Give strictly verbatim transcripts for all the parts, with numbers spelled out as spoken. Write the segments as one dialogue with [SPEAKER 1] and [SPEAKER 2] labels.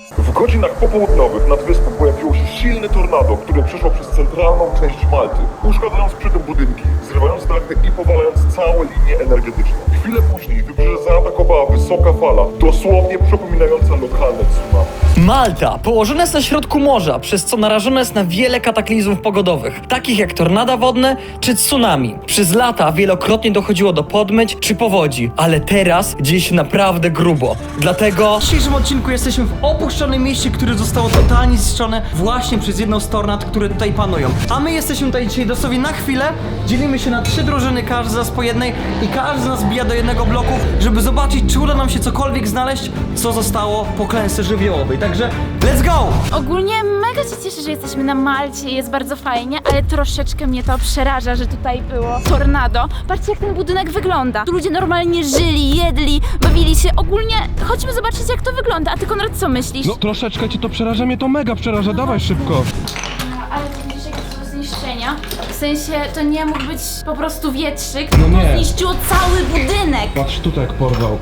[SPEAKER 1] W godzinach popołudniowych nad wyspą pojawiło się silne tornado, które przeszło przez centralną część Malty, uszkadzając przy tym budynki, zrywając dachy i powalając całe linie energetyczne. Chwilę później wybrzeże zaatakowała wysoka fala, dosłownie przypominająca lokalne tsunami.
[SPEAKER 2] Malta położona jest na środku morza, przez co narażona jest na wiele kataklizmów pogodowych, takich jak tornada wodne czy tsunami. Przez lata wielokrotnie dochodziło do podmyć czy powodzi, ale teraz dzieje się naprawdę grubo. Dlatego w dzisiejszym odcinku jesteśmy w opuszczonym mieście, które zostało totalnie zniszczone właśnie przez jedną z tornad, które tutaj panują. A my jesteśmy tutaj dzisiaj dosłownie na chwilę, dzielimy się na trzy drużyny, każdy z nas po jednej i każdy z nas bija do jednego bloku, żeby zobaczyć, czy uda nam się cokolwiek znaleźć, co zostało po klęsce żywiołowej. Także let's go!
[SPEAKER 3] Ogólnie mega się cieszę, że jesteśmy na Malcie i jest bardzo fajnie, ale troszeczkę mnie to przeraża, że tutaj było tornado. Patrzcie, jak ten budynek wygląda. Tu ludzie normalnie żyli, jedli, bawili się. Ogólnie chodźmy zobaczyć, jak to wygląda. A ty, Konrad, co myślisz?
[SPEAKER 4] No troszeczkę cię to przeraża, mnie to mega przeraża, dawaj szybko.
[SPEAKER 3] Ale to widzisz, jakie to są zniszczenia? W sensie, to nie mógł być po prostu wietrzyk,
[SPEAKER 4] No
[SPEAKER 3] to
[SPEAKER 4] nie.
[SPEAKER 3] zniszczyło cały budynek.
[SPEAKER 4] Patrz, tutaj jak porwał.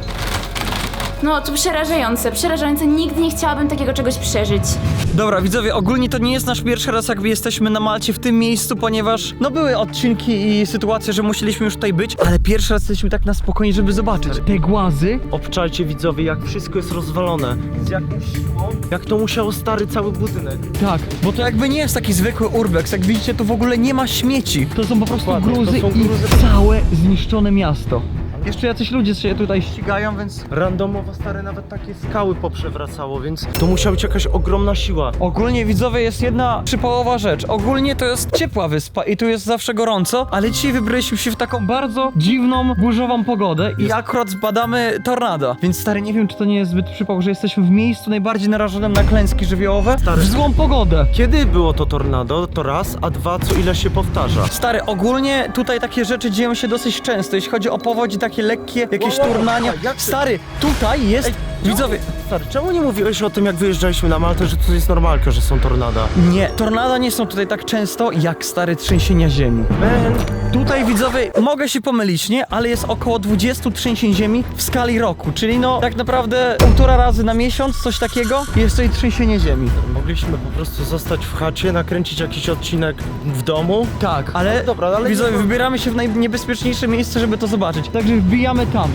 [SPEAKER 3] No, to przerażające, przerażające. Nigdy nie chciałabym takiego czegoś przeżyć.
[SPEAKER 2] Dobra, widzowie, ogólnie to nie jest nasz pierwszy raz, jakby jesteśmy na Malcie w tym miejscu, ponieważ no były odcinki i sytuacje, że musieliśmy już tutaj być, ale pierwszy raz jesteśmy tak na spokojnie, żeby zobaczyć. Te głazy.
[SPEAKER 5] Obczajcie widzowie, jak wszystko jest rozwalone. Z jaką siłą? Jak to musiało stary cały budynek.
[SPEAKER 2] Tak, bo to jakby nie jest taki zwykły urbex, jak widzicie, tu w ogóle nie ma śmieci. To są po prostu
[SPEAKER 5] Dokładnie, to
[SPEAKER 2] gruzy
[SPEAKER 5] są
[SPEAKER 2] i
[SPEAKER 5] gruzy.
[SPEAKER 2] całe zniszczone miasto. Jeszcze jacyś ludzie się tutaj ścigają, więc...
[SPEAKER 5] Randomowo stare nawet takie skały poprzewracało, więc to musiała być jakaś ogromna siła.
[SPEAKER 2] Ogólnie, widzowie, jest jedna przypałowa rzecz. Ogólnie to jest ciepła wyspa i tu jest zawsze gorąco, ale dzisiaj wybraliśmy się w taką bardzo dziwną, burzową pogodę i akurat zbadamy tornado. Więc stary, nie wiem, czy to nie jest zbyt przypał, że jesteśmy w miejscu najbardziej narażonym na klęski żywiołowe
[SPEAKER 5] Stary.
[SPEAKER 2] w złą pogodę.
[SPEAKER 5] Kiedy było to tornado? To raz, a dwa, co ile się powtarza?
[SPEAKER 2] Stary, ogólnie tutaj takie rzeczy dzieją się dosyć często, jeśli chodzi o powodzi, takie lekkie, jakieś
[SPEAKER 5] Wow, wow,
[SPEAKER 2] turnania.
[SPEAKER 5] wow, jak ty-
[SPEAKER 2] Stary, tutaj jest...
[SPEAKER 5] Ej,
[SPEAKER 2] Widzowie,
[SPEAKER 5] Stary, czemu nie mówiłeś o tym, jak wyjeżdżaliśmy na Maltę, że to jest normalka, że są tornada?
[SPEAKER 2] nie, tornada nie są tutaj tak często jak stare trzęsienia ziemi.
[SPEAKER 5] Man,
[SPEAKER 2] Tutaj, widzowie, mogę się pomylić, nie? Ale jest około dwadzieścia trzęsień ziemi w skali roku, czyli no tak naprawdę półtora razy na miesiąc, coś takiego, jest tutaj trzęsienie ziemi.
[SPEAKER 5] mogliśmy po prostu zostać w chacie, nakręcić jakiś odcinek w domu.
[SPEAKER 2] Tak, ale,
[SPEAKER 5] No dobra, ale
[SPEAKER 2] widzowie,
[SPEAKER 5] nie-
[SPEAKER 2] wybieramy się w najniebezpieczniejsze miejsce, żeby to zobaczyć. Także wbijamy tam.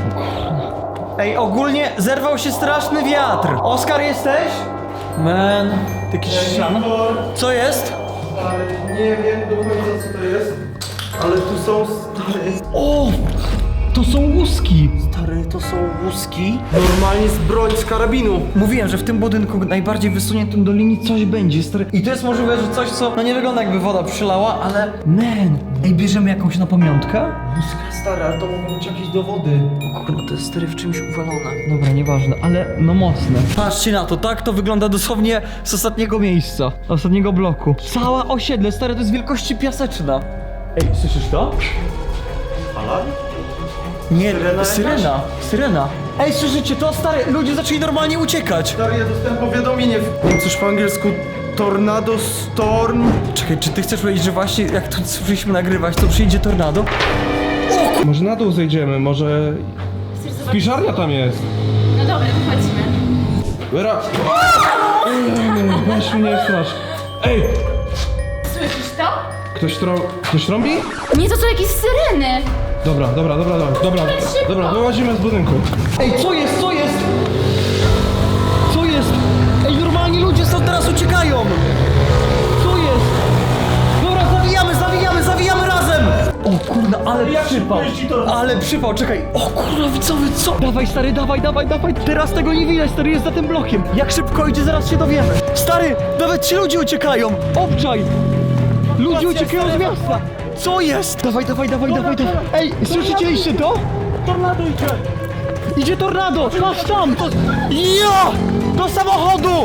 [SPEAKER 2] Ej, ogólnie zerwał się straszny wiatr. Oskar, jesteś? Man, jakiś szan. Co jest?
[SPEAKER 5] Nie wiem do końca co to jest, ale tu są stary...
[SPEAKER 2] O! To są łuski!
[SPEAKER 5] Stary, to są łuski. Normalnie z broń z karabinu.
[SPEAKER 2] Mówiłem, że w tym budynku najbardziej wysuniętym do linii coś będzie, stary. I to jest możliwe, że coś, co no nie wygląda jakby woda przylała, ale... Man! Ej, bierzemy jakąś na pamiątkę?
[SPEAKER 5] Łuska stary, ale to mogą być jakieś dowody.
[SPEAKER 2] O kurwa, to jest stary w czymś uwalone. Dobra, nieważne, ale no mocne. Patrzcie na to, tak to wygląda dosłownie z ostatniego miejsca, ostatniego bloku. Cała osiedle, stary, to jest wielkości piaseczna. Ej, słyszysz to?
[SPEAKER 5] Alarm?
[SPEAKER 2] Nie,
[SPEAKER 5] Syrena
[SPEAKER 2] syrena, syrena. Ej, słyszycie to, stary? Ludzie zaczęli normalnie uciekać.
[SPEAKER 5] Stary, ja dostałem powiadomienie. W... Nie wiem coś po angielsku. Tornado Storm.
[SPEAKER 2] Czekaj, czy ty chcesz powiedzieć, że właśnie jak tu słyszeliśmy nagrywać, to przyjdzie tornado?
[SPEAKER 4] Może na dół zejdziemy, może...
[SPEAKER 3] Chcesz zobaczyć?
[SPEAKER 4] Piżarnia tam jest.
[SPEAKER 3] No dobra, wychodzimy.
[SPEAKER 4] Wyra... Weź mnie strasz. Ej!
[SPEAKER 3] Słyszysz to?
[SPEAKER 4] Ktoś trą... Ktoś trąbi?
[SPEAKER 3] Nie, to są jakieś syreny.
[SPEAKER 4] Dobra, dobra, dobra, dobra, dobra,
[SPEAKER 3] szybko.
[SPEAKER 4] dobra, wyłazimy z budynku.
[SPEAKER 2] Ej, co jest, co jest? Co jest? Ej, normalnie ludzie stąd teraz uciekają! Co jest? Dobra, zawijamy, zawijamy, zawijamy razem! O kurna, ale przypał! Ale przypał, czekaj! O kurna, widzowie, co? Dawaj, stary, dawaj, dawaj, dawaj! Teraz tego nie widać, stary, jest za tym blokiem! Jak szybko idzie, zaraz się dowiemy! Stary, nawet ci ludzie uciekają! Obczaj! Ludzie uciekają z miasta! Co jest? Dawaj, dawaj, dawaj, dawaj, dawaj! Ej, słyszycie to?
[SPEAKER 5] Tornado idzie.
[SPEAKER 2] Idzie tornado! Patrz tam! Ja! Do samochodu!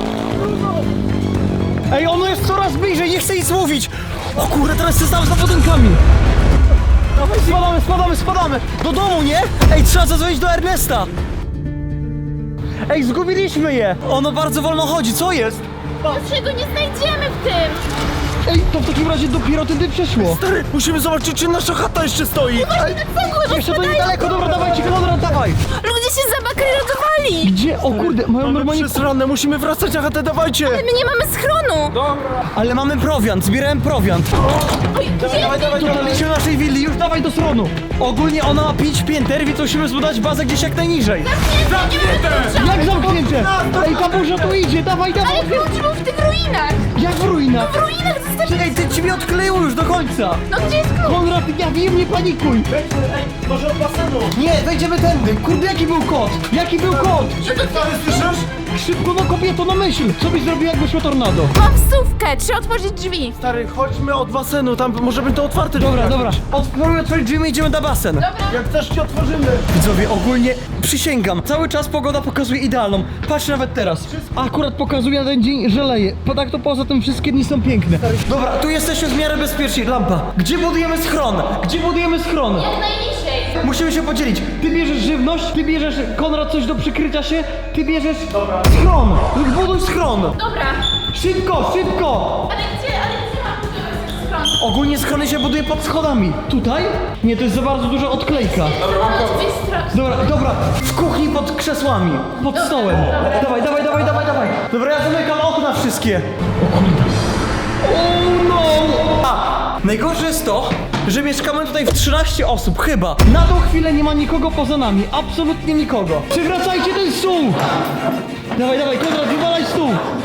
[SPEAKER 2] Ej, ono jest coraz bliżej, nie chcę nic mówić! O kurde, teraz się znam za budynkami! Dawaj, spadamy, spadamy, spadamy! Do domu, nie? Ej, trzeba zadzwonić do Ernesta! Ej, zgubiliśmy je! Ono bardzo wolno chodzi, co jest?
[SPEAKER 3] Dlaczego nie znajdziemy w tym?
[SPEAKER 2] Ej, to w takim razie dopiero tędy przeszło!
[SPEAKER 5] Stary, musimy zobaczyć, czy nasza chata jeszcze stoi.
[SPEAKER 3] Cegły,
[SPEAKER 2] Jeszcze to niedaleko, dobra, dawajcie, Konrad, dawaj!
[SPEAKER 3] Ludzie się zabakrylotowali!
[SPEAKER 2] Gdzie? O kurde, mają normalnie...
[SPEAKER 5] Przesrane, musimy wracać na chatę, dawajcie!
[SPEAKER 3] My nie mamy schronu!
[SPEAKER 2] Ale mamy prowiant, zbierałem prowiant.
[SPEAKER 3] Oj, gdzie?
[SPEAKER 2] Tutaj lecimy do naszej willi, już dawaj do schronu. Ogólnie ona ma pięć pięter, więc musimy zbudować bazę gdzieś jak najniżej. Jak zamknięte? Ej, ta burza tu idzie, dawaj, dawaj.
[SPEAKER 3] Ale klucz był w tych ruinach!
[SPEAKER 2] Jak w ruinach?
[SPEAKER 3] W ruinach zostawili...
[SPEAKER 2] Ej, ty ciebie odkleiło już do końca.
[SPEAKER 3] No gdzie jest klucz?
[SPEAKER 2] Konrad, ja wiem, nie panikuj.
[SPEAKER 5] Może od basenu?
[SPEAKER 2] Nie, wejdziemy tędy. Kurde, jaki był kod? Jaki był kod?
[SPEAKER 3] No to
[SPEAKER 5] Stary, słyszysz?
[SPEAKER 2] Szybko, no kobieto, no myśl. Co byś zrobił, jakby szło tornado?
[SPEAKER 3] mam wsówkę, trzeba otworzyć drzwi.
[SPEAKER 5] Stary, chodźmy od basenu, tam może być to otwarte.
[SPEAKER 2] Dobra,
[SPEAKER 5] drzwi.
[SPEAKER 2] dobra. Otworzymy otworzyć drzwi i idziemy na basen.
[SPEAKER 5] Jak też ci otworzymy.
[SPEAKER 2] Widzowie, ogólnie przysięgam, cały czas pogoda pokazuje idealną. Patrz nawet teraz. Akurat pokazuje na ten dzień, że leje. Po tak to poza tym wszystkie dni są piękne. Dobra, tu jesteśmy w miarę bezpieczni. Lampa. Gdzie budujemy schron? Gdzie budujemy schron?
[SPEAKER 3] Jak najniżej.
[SPEAKER 2] Musimy się podzielić. Ty bierzesz żywność, ty bierzesz, Konrad, coś do przykrycia się, ty bierzesz schron. Buduj schron.
[SPEAKER 3] Dobra,
[SPEAKER 2] Szybko, szybko.
[SPEAKER 3] ale gdzie, ale gdzie mam budować schron?
[SPEAKER 2] Ogólnie schrony się buduje pod schodami. Tutaj? Nie, to jest za bardzo duża odklejka.
[SPEAKER 3] Na drzwi stron.
[SPEAKER 2] Dobra, dobra, w kuchni pod krzesłami, pod stołem. Dawaj, dawaj, dawaj, dawaj, dawaj. Dobra, ja zamykam okna wszystkie. O kurde. O no! A, najgorsze jest to, że mieszkamy tutaj w trzynaście osób, chyba. Na tą chwilę nie ma nikogo poza nami, absolutnie nikogo. Przywracajcie ten stół! Dawaj, dawaj, Konrad, wywalaj stół.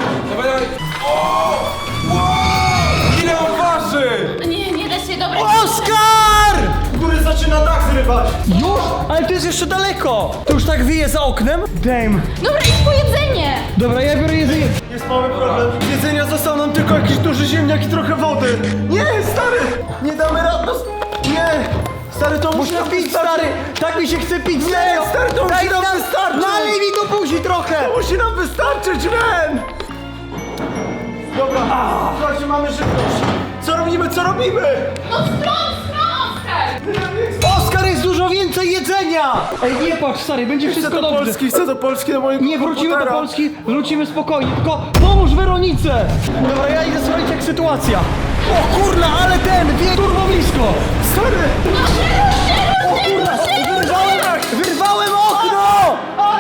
[SPEAKER 5] Ile on waży?
[SPEAKER 3] Nie, nie da się, dobra.
[SPEAKER 2] Oskar!
[SPEAKER 5] Góry zaczyna dach zrywać.
[SPEAKER 2] Już? Ale to jest jeszcze daleko. To już tak wieje za oknem? Damn.
[SPEAKER 3] Dobra, idź po jedzenie.
[SPEAKER 2] Dobra, ja biorę jedzenie.
[SPEAKER 5] Jest mały problem. Z jedzenia został nam tylko jakiś duży ziemniak i trochę wody. Nie, stary! Nie damy rady. Nie! Stary, to musi
[SPEAKER 2] Muszę
[SPEAKER 5] nam
[SPEAKER 2] pić,
[SPEAKER 5] wystarczyć.
[SPEAKER 2] stary! Tak mi się chce pić, serio!
[SPEAKER 5] stary, to musi
[SPEAKER 2] Daj
[SPEAKER 5] nam wystarczyć.
[SPEAKER 2] Nalej mi do buzi trochę!
[SPEAKER 5] To musi nam wystarczyć, man! Dobra, słuchajcie, mamy żywność. Co robimy, co robimy?
[SPEAKER 3] No stron, stron, Oskar.
[SPEAKER 2] Oskar, jest dużo więcej jedzenia! Ej, nie patrz, stary, będzie
[SPEAKER 5] Chcę
[SPEAKER 2] wszystko
[SPEAKER 5] do
[SPEAKER 2] dobrze.
[SPEAKER 5] Polski, chcę do Polski, do mojego
[SPEAKER 2] Nie, wrócimy do
[SPEAKER 5] komputera.
[SPEAKER 2] Polski, wrócimy spokojnie, tylko pomóż Weronice! Dobra, ja idę sprawdzić jak sytuacja. O kurna, ale ten, wie turbo blisko!
[SPEAKER 5] Stary!
[SPEAKER 2] O kurna, wyrwałem, wyrwałem okno!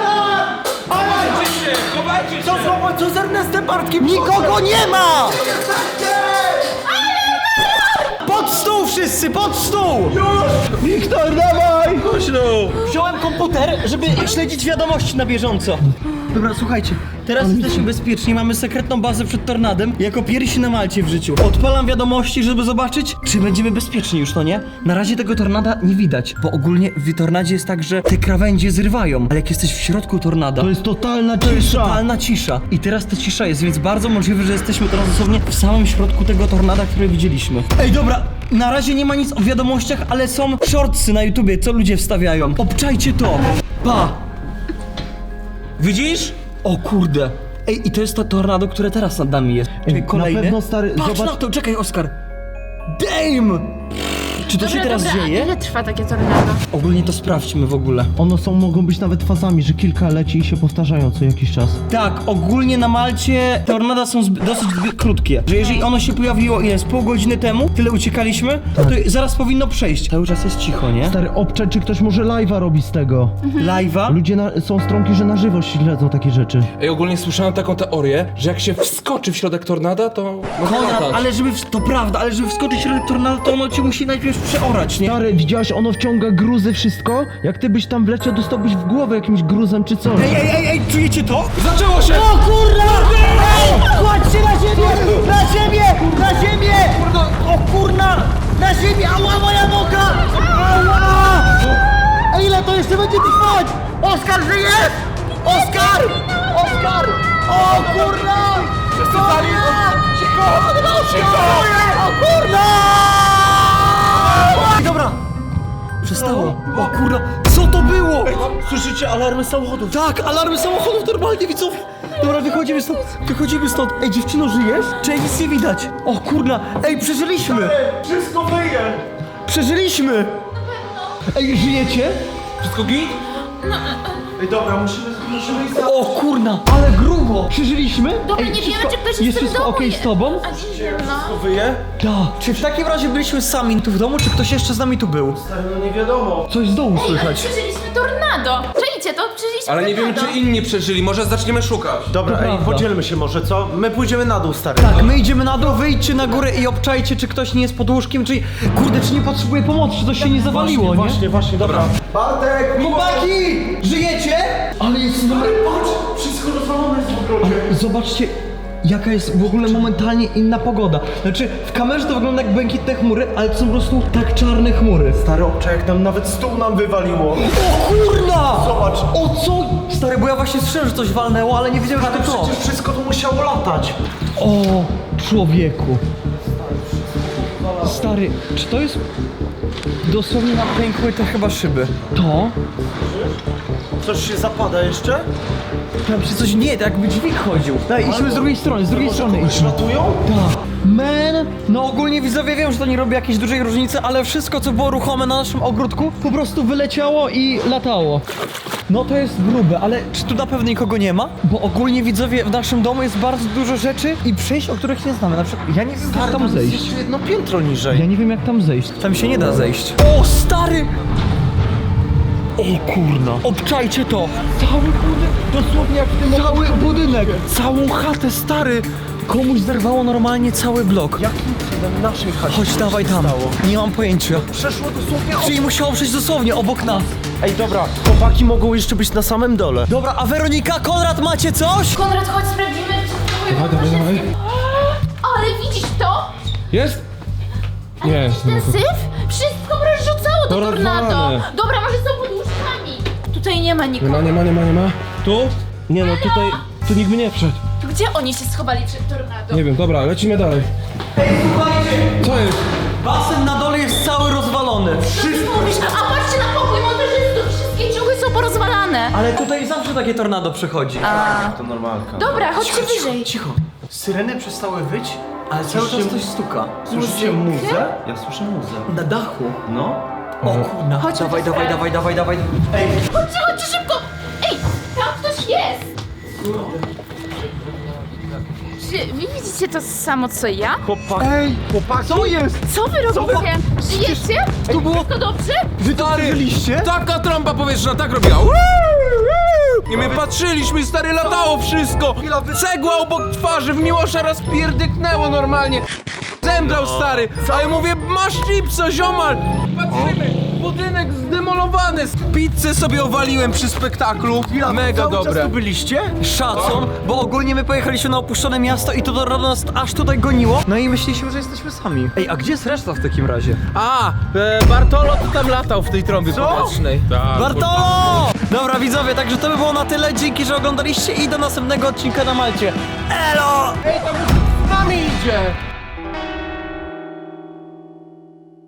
[SPEAKER 5] Co złapać, co z Ernestem Bartkiem?
[SPEAKER 2] Nikogo nie ma! Pod stół wszyscy, pod stół!
[SPEAKER 5] Wiktor, dawaj! Chodź no!
[SPEAKER 2] Wziąłem komputer, żeby śledzić wiadomości na bieżąco. Dobra, słuchajcie, teraz jesteśmy bezpieczni, mamy sekretną bazę przed tornadem, jako pierwsi na Malcie w życiu. Odpalam wiadomości, żeby zobaczyć, czy będziemy bezpieczni już, no nie? Na razie tego tornada nie widać, bo ogólnie w tornadzie jest tak, że te krawędzie zrywają, ale jak jesteś w środku tornada,
[SPEAKER 4] To jest totalna
[SPEAKER 2] to jest
[SPEAKER 4] cisza.
[SPEAKER 2] totalna cisza. I teraz ta cisza jest, więc bardzo możliwe, że jesteśmy teraz dosłownie w samym środku tego tornada, które widzieliśmy. Ej, dobra, na razie nie ma nic o wiadomościach, ale są shortsy na YouTubie, co ludzie wstawiają. Obczajcie to! Pa! Widzisz? O kurde. Ej, i to jest to tornado, które teraz nad nami jest. Czekaj,
[SPEAKER 4] na
[SPEAKER 2] kolejne.
[SPEAKER 4] pewno, stary,
[SPEAKER 2] Patrz
[SPEAKER 4] zobacz-
[SPEAKER 2] na to, czekaj, Oskar. Damn! Czy to się teraz
[SPEAKER 3] dobra,
[SPEAKER 2] dzieje?
[SPEAKER 3] a ile trwa takie tornado?
[SPEAKER 2] Ogólnie to sprawdźmy w ogóle.
[SPEAKER 4] One są, mogą być nawet fazami, że kilka leci i się powtarzają co jakiś czas.
[SPEAKER 2] Tak, ogólnie na Malcie tornada są zby- dosyć zby- krótkie. Że jeżeli ono się pojawiło, ile, z pół godziny temu, tyle uciekaliśmy, to zaraz powinno przejść. Cały czas jest cicho, nie?
[SPEAKER 4] Stary, obczaj, czy ktoś może live'a robi z tego.
[SPEAKER 2] Live'a?
[SPEAKER 4] Ludzie na, są stronki, że na żywo śledzą takie rzeczy.
[SPEAKER 6] Ej, ogólnie słyszałem taką teorię, że jak się wskoczy w środek tornada, to można
[SPEAKER 2] Konrad,
[SPEAKER 6] latać.
[SPEAKER 2] ale żeby, w- to prawda, ale żeby wskoczyć w środek tornado, to ono cię musi najpierw przeorać, nie?
[SPEAKER 4] Stary, widziałeś, ono wciąga gruzy, wszystko? Jak ty byś tam wleciał, dostałbyś w głowę jakimś gruzem czy coś.
[SPEAKER 2] Ej, ej, ej, ej, czujecie to?
[SPEAKER 6] Zaczęło się!
[SPEAKER 2] O kurna! Ej, kładźcie na ziemię! Na ziemię! Na ziemię! O kurna! Na ziemię! Ała, moja noga! Ała! Ej, ile to jeszcze będzie trwać? Oskar, żyjesz? Oskar! Oskar! O kurna!
[SPEAKER 6] Przesypali! Cicho! Cicho!
[SPEAKER 2] O kurna! Dobra! Przestało. O kurna! Co to było?
[SPEAKER 5] Słyszycie alarmy samochodów?
[SPEAKER 2] Tak, alarmy samochodów normalnie, widzowie. Dobra, wychodzimy stąd, wychodzimy stąd. Ej, dziewczyno, żyjesz? Czy nic nie widać? O kurna, ej, przeżyliśmy!
[SPEAKER 5] Wszystko wyje!
[SPEAKER 2] Przeżyliśmy! Ej, żyjecie?
[SPEAKER 6] Wszystko git?
[SPEAKER 5] Ej, dobra, musimy, musimy iść za...
[SPEAKER 2] O kurna, ale grubo! Przeżyliśmy?
[SPEAKER 3] Dobra,
[SPEAKER 2] Ej,
[SPEAKER 3] nie
[SPEAKER 2] wszystko-
[SPEAKER 3] wiemy, czy ktoś jest,
[SPEAKER 2] jest
[SPEAKER 3] w tym
[SPEAKER 2] wszystko
[SPEAKER 3] domu.
[SPEAKER 2] okej z tobą?
[SPEAKER 3] A nie wiem, no.
[SPEAKER 5] Wyje?
[SPEAKER 2] Tak. Czy w takim razie byliśmy sami tu w domu, czy ktoś jeszcze z nami tu był?
[SPEAKER 5] Stary, no nie wiadomo.
[SPEAKER 2] Coś z dołu
[SPEAKER 3] Ej, ale
[SPEAKER 2] słychać.
[SPEAKER 3] przeżyliśmy tornado. Czajcie przeżyjecie to, przeżyliście
[SPEAKER 6] Ale nie wiemy,
[SPEAKER 3] tornado.
[SPEAKER 6] czy inni przeżyli, może zaczniemy szukać.
[SPEAKER 5] Dobra,
[SPEAKER 4] To
[SPEAKER 5] ej,
[SPEAKER 4] prawda.
[SPEAKER 5] podzielmy się może, co? My pójdziemy na dół, stary.
[SPEAKER 2] Tak, my idziemy na dół, wyjdźcie na górę i obczajcie, czy ktoś nie jest pod łóżkiem, czy... Kurde, czy nie potrzebuje pomocy, czy coś się nie zawaliło, nie?
[SPEAKER 5] Właśnie, właśnie, dobra. Bartek,
[SPEAKER 2] Chłopaki! Żyjecie? Ale jest numer...
[SPEAKER 5] patrz, wszystko rozwalone jest w ogrodzie.
[SPEAKER 2] Zobaczcie, jaka jest w ogóle momentalnie inna pogoda. Znaczy, w kamerze to wygląda jak błękitne chmury, ale to są po prostu tak czarne chmury.
[SPEAKER 5] Stary obczaj, jak nam nawet stół nam wywaliło.
[SPEAKER 2] O kurna!
[SPEAKER 5] Zobacz.
[SPEAKER 2] O co? Stary, bo ja właśnie słyszałem, że coś walnęło, ale nie wiedziałem, że
[SPEAKER 5] Ale
[SPEAKER 2] to to.
[SPEAKER 5] przecież wszystko tu musiało latać.
[SPEAKER 2] O, człowieku. Stary, czy to jest... Dosłownie nam pękły te chyba szyby. To?
[SPEAKER 5] Coś się zapada jeszcze?
[SPEAKER 2] Tam się coś nie, tak jakby dźwig chodził. Daj, idźmy z drugiej strony, z drugiej strony idźmy.
[SPEAKER 5] Ratują?
[SPEAKER 2] Tak. Man, no ogólnie widzowie wiem, że to nie robi jakiejś dużej różnicy, ale wszystko co było ruchome na naszym ogródku po prostu wyleciało i latało. No to jest grube, ale czy tu na pewno nikogo nie ma? Bo ogólnie widzowie w naszym domu jest bardzo dużo rzeczy i przejść, o których nie znamy. Na przykład ja nie wiem jak tam zejść.
[SPEAKER 5] Jeszcze jedno piętro niżej.
[SPEAKER 2] Ja nie wiem jak tam zejść. Tam się nie da zejść. O stary! O kurna. Obczajcie to! Cały budynek, dosłownie jak w tym Cały budynek!
[SPEAKER 5] Całą chatę, stary.
[SPEAKER 2] Komuś zerwało normalnie cały blok.
[SPEAKER 5] Jakim cudem naszej chacie
[SPEAKER 2] Chodź, dawaj tam.
[SPEAKER 5] stało?
[SPEAKER 2] Nie mam pojęcia.
[SPEAKER 5] Przeszło dosłownie
[SPEAKER 2] Czyli musiało przejść dosłownie obok nas.
[SPEAKER 5] Ej, dobra, chłopaki mogą jeszcze być na samym dole.
[SPEAKER 2] Dobra, a Weronika, Konrad, macie coś?
[SPEAKER 3] Konrad, chodź, sprawdzimy, czy twoje
[SPEAKER 6] Dawaj, dawaj, dawaj.
[SPEAKER 3] Ale widzisz to?
[SPEAKER 6] Jest?
[SPEAKER 3] Ale
[SPEAKER 6] Nie.
[SPEAKER 3] widzisz ten syf? Wszystko rozrzucało do
[SPEAKER 6] To
[SPEAKER 3] tornado.
[SPEAKER 6] rozwalane.
[SPEAKER 3] Dobra, może są pod łóżkami. Tutaj nie ma
[SPEAKER 6] Nie
[SPEAKER 3] nikogo.
[SPEAKER 6] ma, nie ma, nie ma, nie ma. Tu? Nie no, tutaj, tu nikt by nie wszedł.
[SPEAKER 3] To gdzie oni się schowali przed tornado?
[SPEAKER 6] Nie wiem, dobra, lecimy dalej.
[SPEAKER 2] Ej, słuchajcie!
[SPEAKER 6] Co jest?
[SPEAKER 2] Basen na dole jest cały rozwalony.
[SPEAKER 3] Co ty mówisz? A patrzcie na pokój montażystów, wszystkie ciuchy są porozwalane.
[SPEAKER 2] Ale tutaj zawsze takie tornado przychodzi.
[SPEAKER 3] A,
[SPEAKER 5] To normalka.
[SPEAKER 3] dobra, chodźcie wyżej.
[SPEAKER 2] Cicho.
[SPEAKER 5] Syreny przestały wyć?
[SPEAKER 2] Ale cały czas coś stuka.
[SPEAKER 5] Słyszycie muzę? Ja słyszę muzę.
[SPEAKER 2] Na dachu.
[SPEAKER 5] No.
[SPEAKER 2] O kurna.
[SPEAKER 3] Chodź,
[SPEAKER 2] Dawaj,
[SPEAKER 3] chodź,
[SPEAKER 2] dawaj,
[SPEAKER 3] chodź.
[SPEAKER 2] dawaj, dawaj, dawaj.
[SPEAKER 3] Chodźcie, chodźcie szybko. Ej, tam ktoś jest. Czy wy widzicie to samo co ja?
[SPEAKER 5] Chłopak. Ej, chłopaki. Co jest?
[SPEAKER 3] Co wy robicie? Żyjecie?
[SPEAKER 2] Tu było...
[SPEAKER 3] Wszystko dobrze?
[SPEAKER 5] Wy to przeżyliście?
[SPEAKER 6] Taka trąba powietrzna tak robiła. I my patrzyliśmy, stary, latało wszystko. Cegła obok twarzy, w Miłosza raz pierdyknęło normalnie. Zemdlał, stary. A ja mówię, masz chipsa, ziomal. Patrzymy, budynek zdemolowany. Pizzę sobie owaliłem przy spektaklu. Mega
[SPEAKER 5] Cały czas
[SPEAKER 6] dobre.
[SPEAKER 5] tu byliście?
[SPEAKER 2] Szacun, bo ogólnie my pojechaliśmy na opuszczone miasto i to tornado nas aż tutaj goniło. No i myśleliśmy, że jesteśmy sami. Ej, a gdzie jest reszta w takim razie?
[SPEAKER 6] A, e, Bartolo to tam latał w tej trąbie powietrznej.
[SPEAKER 2] Bartolo! Dobra widzowie, także to by było na tyle. Dzięki, że oglądaliście i do następnego odcinka na Malcie. Elo!
[SPEAKER 6] Z nami idzie.